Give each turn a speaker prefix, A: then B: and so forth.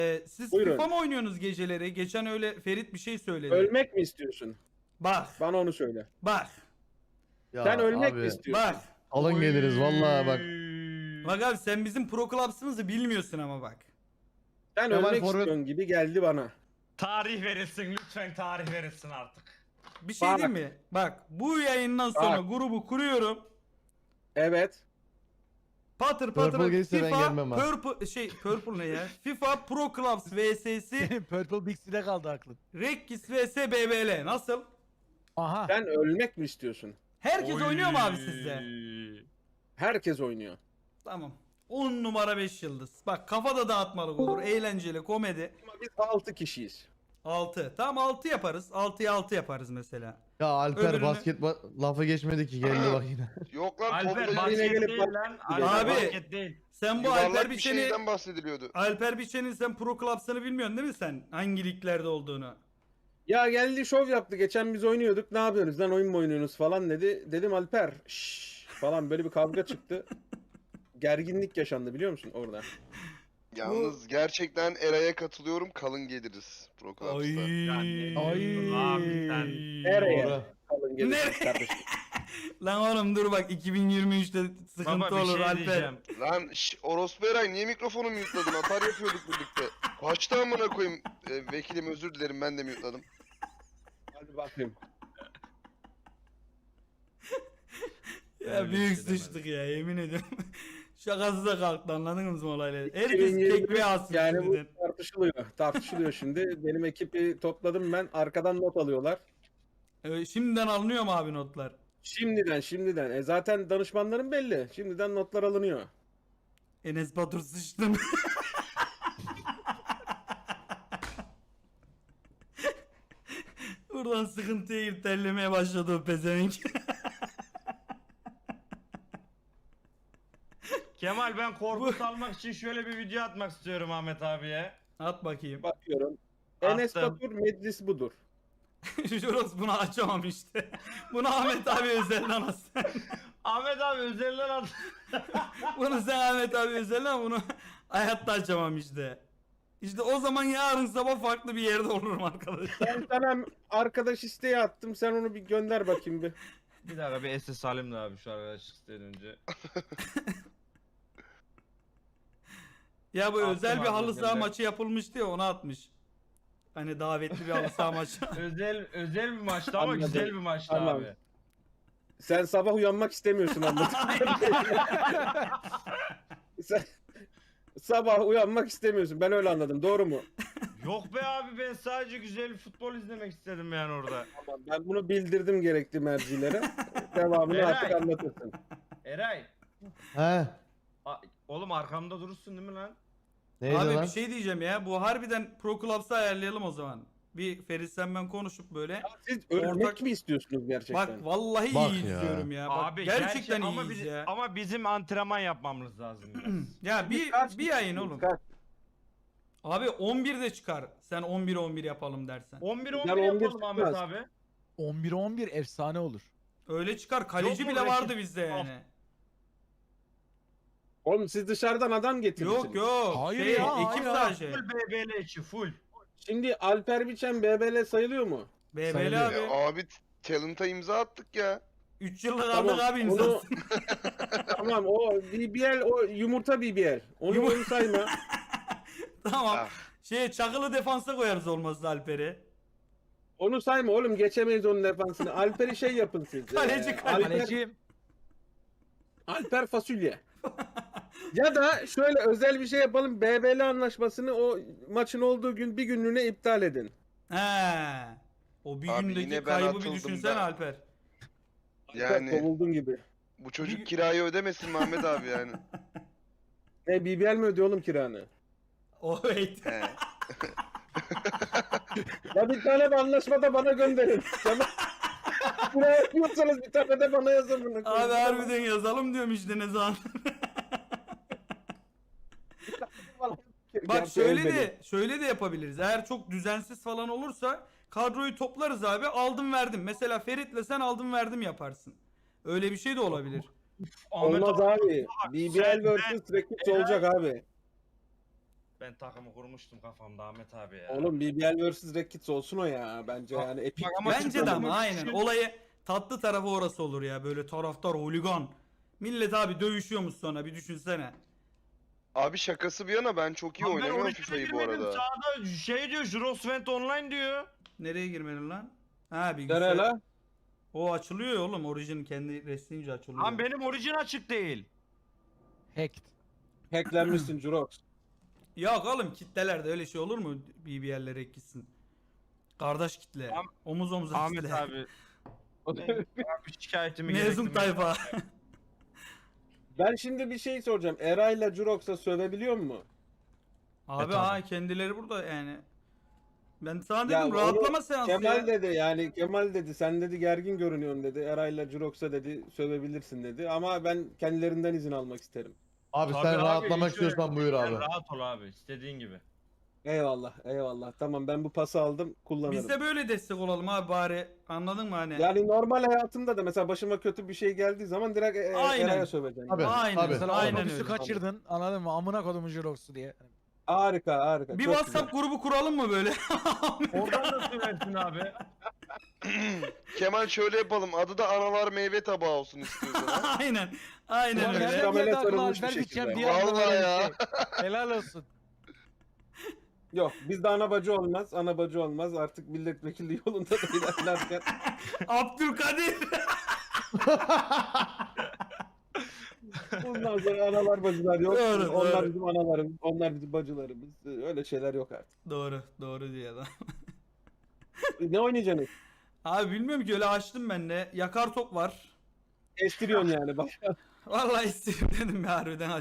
A: Siz
B: Buyurun.
A: FIFA mı oynuyorsunuz geceleri? Geçen öyle Ferit bir şey söyledi.
B: Ölmek mi istiyorsun?
A: Bak.
B: Bana onu söyle.
A: Bak.
C: Ya
B: Sen ölmek mi
C: abi
B: istiyorsun?
A: Bak.
C: alın geliriz vallahi bak.
A: Bak abi sen bizim Pro Clubs'ımızı bilmiyorsun ama bak.
B: Sen
C: Kemal
B: ölmek
C: forvet-
B: istiyorsun gibi geldi bana.
D: Tarih verilsin lütfen, tarih verilsin artık.
A: Bir şey
B: Bak.
A: diyeyim mi? Bak bu yayından sonra
B: Bak.
A: grubu kuruyorum.
B: Evet.
A: Patır
C: Purple
A: patır
C: gelirse ben
A: FIFA
C: gelmem ha.
A: Purple ne ya? FIFA Pro Clubs vs'si
E: Senin Purple Bixi'de kaldı aklın.
A: Rekkis vs BBL nasıl?
E: Aha.
B: Sen ölmek mi istiyorsun?
A: Herkes oynuyor mu abi sizde?
B: Herkes oynuyor.
A: Tamam. 10 numara 5 yıldız. Bak kafada dağıtmalık olur. Eğlenceli komedi.
B: Ama biz 6 kişiyiz.
A: 6. Tamam 6 yaparız. 6'ya 6 yaparız mesela.
C: Ya Alper
A: Öbürünü-
C: basket lafı geçmedi ki geldi bak yine.
F: Yok lan
D: Alper
F: topla
D: basket
B: gelip
D: değil
B: bak-
D: lan.
B: Abi.
D: Alper basket değil.
A: Sen bu Alper
F: yuvarlak bir
A: Biçen'i
F: şeyden bahsediliyordu.
A: Alper Biçen'in sen Pro Clubs'ını bilmiyorsun değil mi sen? Hangi liglerde olduğunu?
B: Ya geldi şov yaptı. Geçen biz oynuyorduk. Ne yapıyoruz lan, oyun mu oynuyorsunuz falan dedi. Dedim Alper şşş falan, böyle bir kavga çıktı. Gerginlik yaşandı biliyor musun orada?
F: Yalnız gerçekten Eray'a katılıyorum. Kalın geliriz Pro Clubs'ta.
D: Yani-
E: Ay.
D: Abi sen.
B: Nereye?
C: Doğru.
B: Kalın gelin
A: Nereye?
B: kardeşim.
A: Lan oğlum dur bak 2023'te sıkıntı
D: Baba bir
A: olur
D: şey
A: Alper.
D: diyeceğim.
F: Lan orospu Eray, niye mikrofonu mute'ladın? Atar yapıyorduk birlikte. Kaçtı amına koyayım. Vekilim özür dilerim, ben de mute'ladım.
B: Hadi bakayım.
A: Ya
D: Öyle bir
A: büyük
D: şey demedim.
A: sıçtık ya yemin ediyorum. Şakası da kalktı anladınız mı olayları? Herkes
B: 2023
A: tekme alsın
B: yani bu
A: şimdiden.
B: tartışılıyor. Tartışılıyor şimdi. Benim ekibi topladım ben. Arkadan not alıyorlar.
A: Şimdiden alınıyor mu abi notlar?
B: Şimdiden. Zaten danışmanların belli. Şimdiden notlar alınıyor.
A: Enes Batur sıçtım. Buradan sıkıntıya girip terlemeye başladı o pezevenk.
D: Kemal ben korku salmak için şöyle bir video atmak istiyorum Ahmet abiye.
A: At bakayım.
B: Bakıyorum.
D: Attım.
B: Enes Batur meclis budur.
A: Juros bunu açamam işte. Bunu Ahmet abi özelden atsan.
D: Ahmet abi özelden at.
A: Bunu sen Ahmet abi özelden bunu hayatta açamam işte. İşte o zaman yarın sabah farklı bir yerde olurum arkadaşlar.
B: Ben sana arkadaş isteği attım. Sen onu bir gönder bakayım bir.
D: Bir dakika bir SS alayım da abi şu arkadaşlık isteğinden önce.
A: Ya bu
D: Attım
A: özel bir
D: abi
A: halı saha
D: gönder.
A: maçı yapılmıştı ya ona atmış. Hani davetli bir halı saha maçı.
D: özel bir maçtı ama
B: Anladım.
D: güzel bir maçtı
B: Tamam.
D: abi.
B: Sen sabah uyanmak istemiyorsun anladın. Sen sabah uyanmak istemiyorsun. Ben öyle anladım. Doğru mu?
D: Yok be abi, ben sadece güzel futbol izlemek istedim yani orada.
B: Tamam. Ben bunu bildirdim gerekli mercilere. Devamını
D: Eray.
B: artık anlatırsın.
D: Eray.
C: He.
D: Oğlum arkamda durursun değil mi lan?
C: Neydi
A: Abi
C: lan?
A: bir şey diyeceğim ya. Bu harbiden Pro Clubs'ı ayarlayalım o zaman. Bir Ferit sen ben konuşup böyle.
B: Siz ölmek
A: Ortak-
B: mi istiyorsunuz gerçekten?
A: Bak vallahi
C: Bak
A: iyi
C: ya.
A: izliyorum ya. Bak,
D: Abi
A: gerçekten
D: ama
A: iyiyiz ya.
D: ama bizim antrenman yapmamız lazım biraz.
A: Ya
B: Kaç
A: bir yayın oğlum.
B: kaç?
A: Abi 11'de çıkar. Sen 11 yapalım dersen.
D: 11-11
B: Ben 11
D: yapalım Ahmet
B: çıkmaz.
D: abi.
E: 11-11 efsane olur.
A: Öyle çıkar. Kaleci
D: Yok mu
A: bile vardı
D: rakip?
A: bizde yani.
B: Oğlum siz dışarıdan adam getirirsiniz.
A: Yok.
E: Hayır
A: Şey,
E: ya,
A: ekip
E: hayır.
A: sadece.
D: Full BBL içi full.
B: Şimdi Alper Biçen BBL sayılıyor mu?
A: BBL
E: Sayılıyor.
A: abi.
F: Abi talent'a imza attık ya.
A: 3 yıllık
B: Tamam,
A: aldık abi
B: onu-
A: imzası.
B: Tamam, o BBL, o yumurta BBL. Onu sayma.
A: Tamam.
F: Ah.
A: Çakılı defansa koyarız olmazsa Alper'i.
B: Onu sayma oğlum, geçemeyiz onun defansını. Alper'i şey yapın siz.
A: Kaleci, kaleci.
E: Kalecim.
B: Alper fasulye. Ya da şöyle özel bir şey yapalım. BBL anlaşmasını o maçın olduğu gün bir günlüğüne iptal edin.
A: He. O bir
F: Abi
A: gündeki
F: yine ben
A: kaybı bir
F: atıldım
A: düşünsene
F: da.
A: Alper.
B: Yani...
F: Yani
B: Kovuldun gibi.
F: bu çocuk kirayı ödemesin Mehmet abi yani.
B: Ne, BBL mi ödüyor oğlum kiranı?
A: O wait.
F: He.
B: Ya bir tane de anlaşma da bana gönderin. Tamam. Buraya yapıyorsanız bir tane de bana yazın bunu.
A: Abi harbiden yazalım diyorum işte ne zaman. Bak şöyle de yapabiliriz. Eğer çok düzensiz falan olursa kadroyu toplarız abi. Aldım verdim. Mesela Ferit'le sen aldım verdim yaparsın. Öyle bir şey de olabilir.
D: Ahmet
B: Olmaz abi. BBL
D: sen-
B: vs. Rekits olacak abi.
D: Ben takımı kurmuştum kafamda Ahmet abi ya.
B: Oğlum BBL vs Red Kids olsun o ya bence
D: Bak-
B: yani epik.
D: bak ama
A: Bence
D: çıkmadı
A: de ama
D: mı?
A: aynen. Olayı tatlı tarafı orası olur ya. Böyle taraftar, holigan. Millet abi dövüşüyormuş sonra bir düşünsene.
F: Abi şakası bir yana ben çok iyi
D: Lan ben
F: oynamıyorum
D: orijine
F: FIFA'yı bu
D: girmedim,
F: arada.
D: Sağda şey diyor, Jurosvent Online diyor.
A: Nereye girmedin lan? Ha
B: Nereye
A: bilgisayar.
B: la?
A: O açılıyor ya oğlum. Origin kendi reslince açılıyor.
D: Lan benim orijin açık değil.
E: Hacked.
B: Hacklenmişsin Jurox.
A: Yok oğlum kitlelerde öyle şey olur mu? BBL'lere gitsin. Kardeş kitle.
D: Am-
A: Omuz omuza
D: Ahmet
A: kitle.
D: abi. Abi şikayetimi
A: Mezun
D: gerektirmedim.
A: tayfa.
B: Ben şimdi bir şey soracağım. Eray'la Jurox'a sövebiliyor mu?
A: Abi
E: tamam.
A: ha kendileri burada yani. Ben sana
B: Ya
A: dedim
B: onu
A: rahatlama seansı
B: Kemal
A: ya.
B: dedi yani Kemal dedi sen dedi gergin görünüyorsun dedi. Eray'la Jurox'a dedi sövebilirsin dedi. Ama ben kendilerinden izin almak isterim.
C: Abi
D: Tabii
C: sen
D: abi,
C: rahatlamak
D: hiç öyle-
C: istiyorsan buyur
D: Sen
C: abi.
D: rahat ol abi, istediğin gibi.
B: Eyvallah eyvallah. Tamam ben bu pası aldım kullanırım.
A: Biz de böyle destek olalım abi bari. Anladın mı hani?
B: Yani normal hayatımda da mesela başıma kötü bir şey geldiği zaman direkt
A: Aynen.
B: Eray'a söveceğim.
C: Tabii.
A: Aynen.
C: Tabii.
E: Mesela
A: Aynen
E: otobüsü
A: öyle.
E: kaçırdın. Anladın mı? Amına kodumun Jirox'u diye.
B: Harika harika.
A: Bir
B: çok
A: WhatsApp grubu kuralım mı böyle?
D: Oradan da söversin abi.
F: Kemal şöyle yapalım. Adı da analar meyve tabağı olsun istiyorsan. ha?
A: Aynen. Aynen
B: Ulan
A: öyle.
B: ben-
E: Nereden
B: Kameraya
E: geldi aklına
B: sarılmış bir
E: Alper
B: şekilde.
E: gideceğim diye aklıma
F: Vallahi
E: böyle bir
F: ya.
E: şey. Helal olsun.
B: Yok bizde ana bacı olmaz. Ana bacı olmaz. Artık milletvekili yolunda da ilerlerken.
A: Abdülkadir.
B: Bundan sonra analar bacılar yok.
A: Doğru,
B: Onlar
A: doğru.
B: bizim analarımız. Onlar bizim bacılarımız. Öyle şeyler yok artık.
A: Doğru. Doğru diyor adam.
B: Ne oynayacaksınız?
A: Abi bilmiyorum ki öyle açtım ben de. Yakar top var.
B: Estiriyorsun yani. Bak.
A: Vallahi istedim dedim ya harbiden